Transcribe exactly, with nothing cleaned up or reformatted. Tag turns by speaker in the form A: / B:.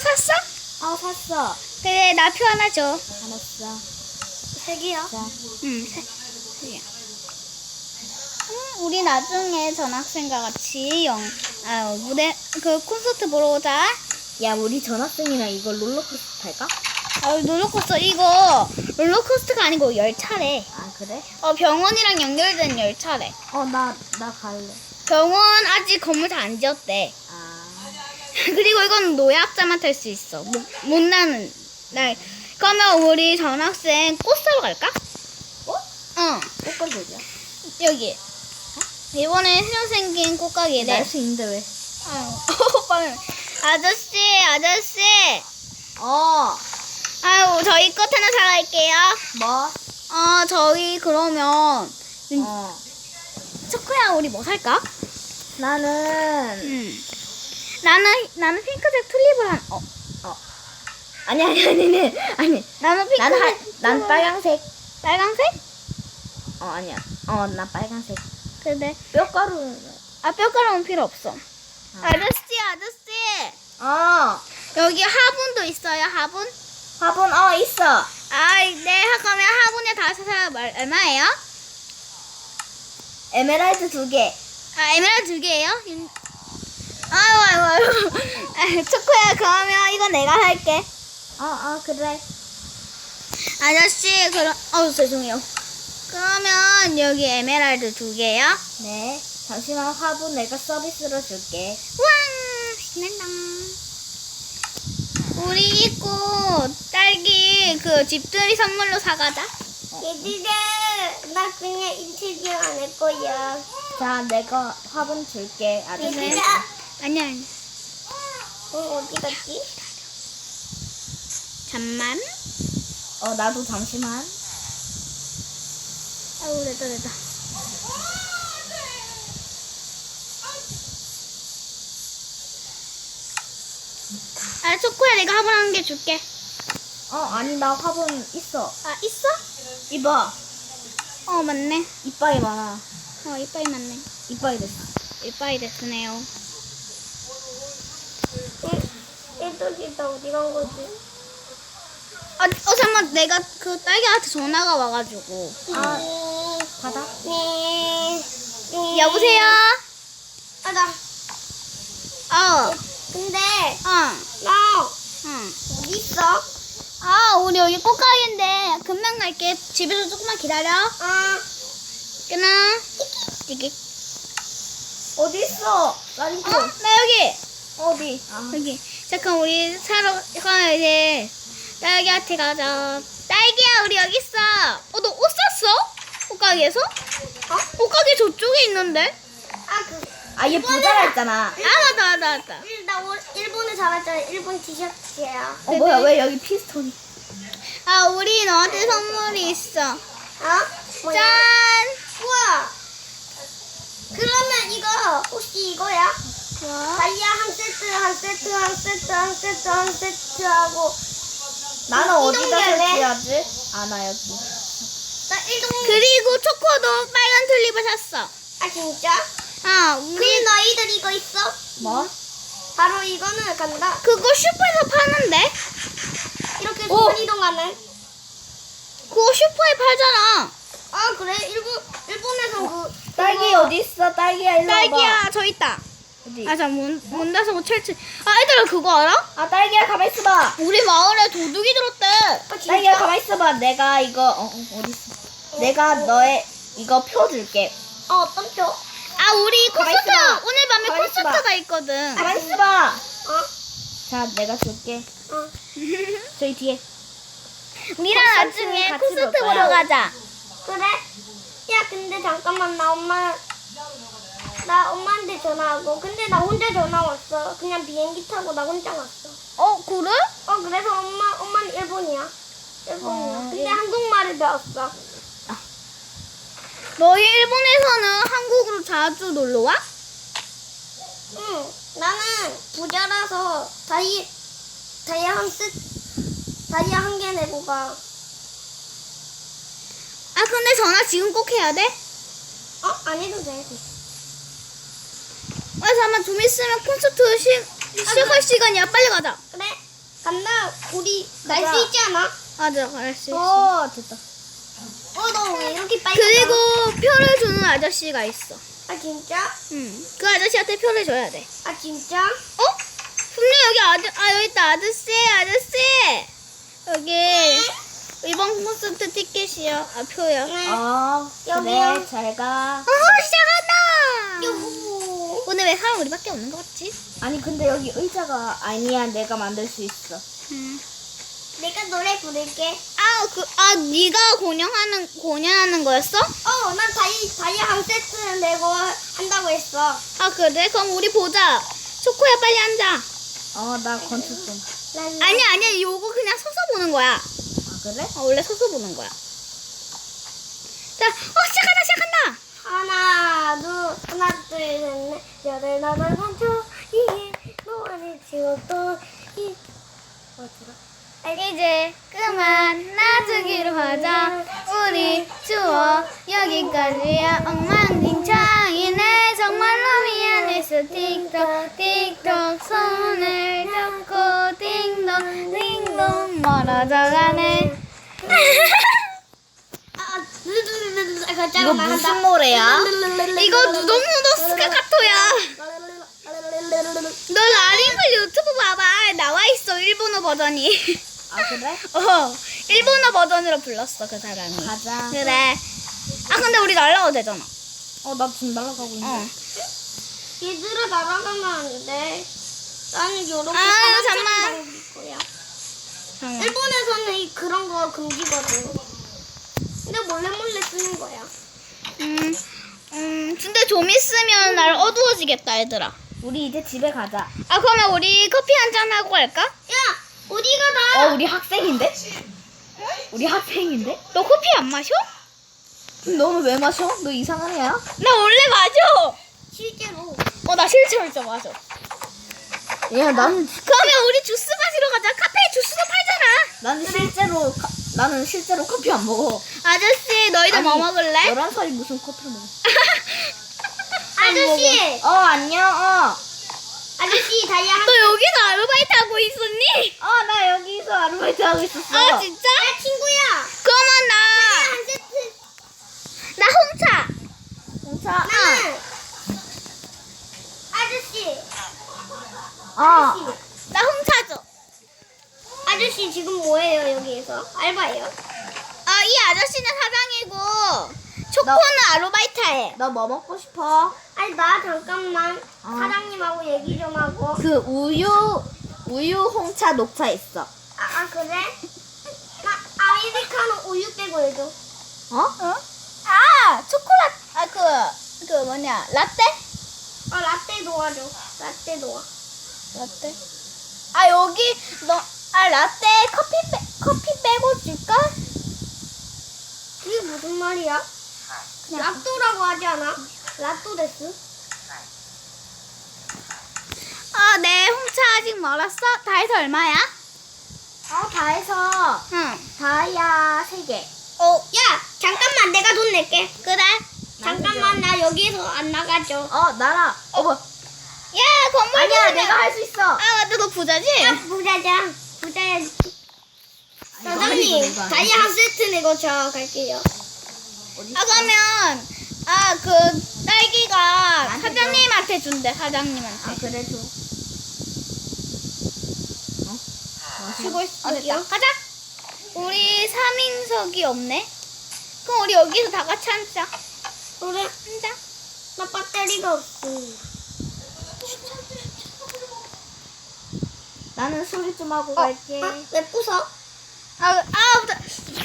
A: 샀어?
B: 어, 샀어.
A: 그래, 나 표 하나 줘.
B: 알았어.
A: 세 개요?
B: 자,
A: 응, 세, 세 개야. 음, 우리 나중에 전학생과 같이 영, 아, 무대, 그 콘서트 보러 오자.
B: 야, 우리 전학생이랑 이거 롤러코스터 탈까?
A: 아, 롤러코스터, 이거 롤러코스터가 아니고 열차래.
B: 아, 그래?
A: 어, 병원이랑 연결된 열차래.
B: 어, 나, 나 갈래.
A: 병원 아직 건물 다 안 지었대.
B: 아,
A: 그리고 이건 노약자만 탈 수 있어. 못, 못 나는 날. 그러면 우리 전학생 꽃 사러 갈까?
B: 꽃?
A: 응.
B: 꽃건 되죠?
A: 여기. 이번에 새로 생긴 꽃가게래.
B: 날 수 있는데 왜?
A: 아유, 오빠는. 아저씨, 아저씨.
B: 어,
A: 아유, 저희 꽃 하나 사갈게요.
B: 뭐?
A: 어, 저희 그러면
B: 어,
A: 초코야, 우리 뭐 살까?
B: 나는,
A: 응. 나는 나는 핑크색 튤립을 한. 어,
B: 어. 아니, 아니, 아니, 아니. 아니.
A: 나는 핑크색.
B: 난, 하, 난 빨강색.
A: 빨강색?
B: 어, 아니야. 어, 나 빨강색.
A: 그래.
B: 뼈가루.
A: 아, 뼈가루는 필요 없어.
B: 아.
A: 아저씨, 아저씨.
B: 어,
A: 여기 화분도 있어요, 화분?
B: 화분, 어, 있어.
A: 아, 네, 그러면 화분에 다섯 살 얼마예요?
B: 에메랄드 두 개.
A: 아, 에메랄드 두 개예요? 음. 아유, 아유, 아유. 아, 초코야, 그러면 이거 내가 할게.
B: 어, 어, 그래.
A: 아저씨, 그럼, 어우, 죄송해요. 그러면 여기 에메랄드 두 개요?
B: 네. 잠시만 화분 내가 서비스로 줄게.
A: 우와, 신난다. 우리 꽃, 딸기, 그 집들이 선물로 사가자.
C: 얘들아, 나 그냥 인터뷰 안 할 거야.
B: 자, 내가 화분 줄게. 아저씨.
C: 얘들아,
A: 아니야, 아니야.
C: 어, 어디 갔지?
A: 잠만.
B: 어, 나도 잠시만.
A: 아우, 됐다, 됐다. 아, 초코야, 내가 화분 한 개 줄게.
B: 어, 아니, 나 화분 있어.
A: 아, 있어?
B: 이봐.
A: 어, 맞네.
B: 이빨이 많아.
A: 어, 이빠이 맞네.
B: 이빨이 됐어.
A: 이빠이 됐으네요.
C: 얘들이 나 어디 간 거지?
A: 아, 어, 잠깐만. 내가 그 딸기한테 전화가 와가지고.
B: 아,
C: 음,
B: 받아.
C: 네. 네.
A: 여보세요?
C: 아, 나,
A: 어,
C: 근데,
A: 어,
C: 나,
A: 응.
C: 어디 있어?
A: 아, 우리 여기 꽃가게인데 금방 갈게. 집에서 조금만 기다려.
C: 아,
A: 끊어. 띠기.
B: 어디 있어? 난
A: 어?
B: 이거.
A: 나 여기.
B: 어디? 아,
A: 여기. 잠깐 우리 사러 가면 이제 딸기한테 가자. 딸기야, 우리 여기 있어. 어, 너 옷 샀어? 옷가게에서?
C: 어?
A: 옷가게 저쪽에 있는데?
C: 아, 그,
B: 아, 얘 부자라 했잖아.
A: 아, 맞다, 맞다, 맞다.
C: 일, 나 오, 일본에 살았잖아. 일본 티셔츠야.
B: 어, 뭐야, 왜 여기 피스톤이?
A: 아, 우리 너한테 선물이 있어.
C: 어? 뭐야?
A: 짠!
C: 우와! 그러면 이거, 혹시 이거야?
A: 뭐?
C: 다이아 한 세트, 한 세트, 한 세트, 한 세트, 한 세트 하고,
B: 나는 어디다
C: 이동결에?
B: 설치하지? 아, 나 여기.
C: 나 일동,
A: 그리고 초코도 빨간 튤립을 샀어.
C: 아, 진짜?
A: 아, 우리
C: 우리 너희들 이거 있어?
B: 뭐?
C: 바로 이거는 간다.
A: 그거 슈퍼에서 파는데?
C: 이렇게
B: 오!
C: 순간 이동하는.
A: 그거 슈퍼에 팔잖아.
C: 아, 그래? 일본, 일본에선 그.
B: 딸기
C: 그거-
B: 어디 있어? 딸기야, 일로 와봐.
A: 딸기야, 저 있다.
B: 어디?
A: 아, 자, 문, 문 닫아서 철치. 아, 얘들아, 그거 알아?
B: 아, 딸기야, 가만 있어봐.
A: 우리 마을에 도둑이 들었대.
C: 아, 진짜?
B: 딸기야, 가만 있어봐. 내가 이거, 어, 어, 어디 있어? 내가 너의 이거 표 줄게.
C: 어, 어떤 표? 어?
A: 아, 우리
B: 가만히
A: 콘서트,
B: 있어봐.
A: 오늘 밤에
B: 가만히 있어봐.
A: 콘서트가 있거든.
B: 가만 있어봐.
C: 어?
B: 자, 내가 줄게.
C: 어.
B: 저희 뒤에.
A: 우리랑
B: 콘서트
A: 나중에
B: 같이
A: 콘서트
B: 볼까요?
A: 보러 가자.
C: 그래? 야, 근데 잠깐만, 나 엄마, 나 엄마한테 전화하고. 근데 나 혼자 전화 왔어. 그냥 비행기 타고 나 혼자 왔어.
A: 어, 그래?
C: 어, 그래서 엄마, 엄마는 일본이야. 일본이야.
B: 어,
C: 근데
B: 일-
C: 한국말을 배웠어.
A: 너희 일본에서는 한국으로 자주 놀러 와?
C: 응, 나는 부자라서 다이, 다이아 한 세, 다이아 한 개 내고 가.
A: 아, 근데 전화 지금 꼭 해야 돼?
C: 어? 안 해도 돼.
A: 아, 잠깐만, 좀 있으면 콘서트 시, 시작할 시간이야. 빨리 가자.
C: 그래? 우리 날
B: 가자.
C: 수 있지 않아?
A: 맞아, 갈 수 있어.
B: 어 됐다.
C: 어, 너 왜 이렇게 빨리
A: 그리고 표를 주는 아저씨가 있어.
C: 가? 아, 진짜?
A: 응. 그 아저씨한테 표를 줘야 돼.
C: 아, 진짜?
A: 어? 분명 여기 아저, 아, 여기 있다. 아저씨, 아저씨! 여기, 이번 콘서트 티켓이요. 아, 표요.
C: 네.
B: 어
C: 여기요.
B: 그래 잘 가.
A: 어, 시작한다!
C: 요호.
A: 오늘 왜 사람 우리밖에 없는 것 같지?
B: 아니 근데 여기 의자가 아니야. 내가 만들 수 있어.
A: 응.
C: 내가 노래 부를게.
A: 아, 그, 아, 네가 공연하는, 공연하는 거였어?
C: 어, 난 다이, 다이 한 세트 내고 한다고 했어.
A: 아, 그래? 그럼 우리 보자. 초코야, 빨리 앉아.
B: 어 나 건축 좀.
C: 랄라.
A: 아니야, 아니야. 요거 그냥 서서 보는 거야.
B: 아 그래?
A: 어, 원래 서서 보는 거야. 자, 어, 시작한다, 시작한다!
C: 하나, 둘, 하나, 둘, 셋, 넷, 여덟, 여덟, 삼초, 이게 노안이 지웠던 이. 어, 들어?
A: 이제 그만 놔두기로 하자. 우리 추억 여기까지야. 엉망진창이네. 정말로 미안했어. 틱톡 틱톡 손을 잡고 띵동 띵동 멀어져가네.
C: 아, 누두두두두. 아,
B: 이거
C: 잠깐만,
B: 무슨
C: 한다.
B: 노래야?
A: 이거 누동누동 스카카토야. 너 라림플 유튜브 봐봐. 나와 있어. 일본어 버전이.
B: 아 그래?
A: 어, 일본어 버전으로 불렀어 그 사람이.
B: 가자.
A: 그래. 아 근데 우리 날라가도 되잖아.
B: 어 나 지금 날아가고 있는데.
A: 어.
C: 얘들아, 날아가면 안 돼. 나는 요렇게
A: 아,
C: 사람
A: 잠깐만.
C: 찾고 다닐 거야.
A: 잠깐만.
C: 일본에서는 이 그런 거 금지거든. 근데 몰래 몰래 쓰는 거야.
A: 음, 음, 근데 좀 있으면 날 어두워지겠다 얘들아.
B: 우리 이제 집에 가자.
A: 아 그러면 우리 커피 한 잔 하고 갈까?
C: 야, 어디가 나?
B: 어 우리 학생인데? 우리 학생인데?
A: 너 커피 안 마셔?
B: 너는 왜 마셔? 너 이상한 애야?
A: 나 원래 마셔.
C: 실제로.
A: 어 나 실제로 진짜 마셔.
B: 야 나는
A: 그러면 우리 주스 마시러 가자. 카페에 주스도 팔잖아.
B: 나는 실제로 카- 나는 실제로 커피 안 먹어.
A: 아저씨 너희들 뭐 먹을래?
B: 열한 살이 무슨 커피를 먹어?
C: 아저씨,
B: 어 안녕. 어.
C: 아저씨 다이아 한.
A: 너 여기서 아르바이트 하고 있었니?
B: 어 나 여기서 아르바이트 하고 있었어.
A: 아 진짜?
C: 야, 친구야.
A: 그러면 나
C: 한 세트.
A: 나 홍차.
B: 홍차.
C: 나는. 아저씨,
B: 어.
A: 나 홍차 줘.
C: 아저씨 지금 뭐예요 여기에서? 알바예요?
A: 아, 이 아저씨는 사장이고 초코는 아르바이트 해.
B: 너 뭐 먹고 싶어?
C: 아니 나 잠깐만
B: 어.
C: 사장님하고 얘기 좀 하고.
B: 그 우유 우유 홍차 녹차 있어.
C: 아, 아 그래? 나 아메리카노 우유 빼고 해줘.
B: 어?
A: 어? 아, 초콜릿. 아, 그, 그 뭐냐, 라떼?
C: 아 라떼 도와줘. 라떼 도와.
A: 라떼? 아, 여기, 너, 아, 라떼 커피 빼, 커피 빼고 줄까?
C: 그게 무슨 말이야?
A: 그냥.
C: 라또라고 하지 않아? 라또 데스?
A: 아, 네, 홍차 아직 멀었어? 다 해서 얼마야?
B: 어 다 해서
A: 응.
B: 다이아 세 개.
A: 어,
C: 야 잠깐만 내가 돈 낼게.
A: 그래?
C: 잠깐만 나 여기서 안 나가죠.
B: 어 나라. 어 뭐?
A: 야, 건물
B: 아니야
A: 부자네.
B: 내가 할 수 있어.
A: 아, 맞다, 너 부자지?
C: 야 부자자. 부자야.
B: 이거 아니고
C: 사장님
B: 내가
C: 다이아 한 세트 내고 저 갈게요.
B: 어디
A: 아, 그러면, 아, 그, 딸기가
B: 나한테
A: 사장님한테 준대, 사장님한테.
B: 아 그래 줘.
A: 쉬고 있어.
C: 여기요?
A: 됐다. 가자. 우리 삼 인석이 없네. 그럼 우리 여기서 다 같이 앉자.
C: 그래?
A: 앉아.
C: 나 배터리가 없어.
B: 나는 소리 좀 하고
C: 어?
B: 갈게.
C: 아, 왜 부숴?
A: 아, 아,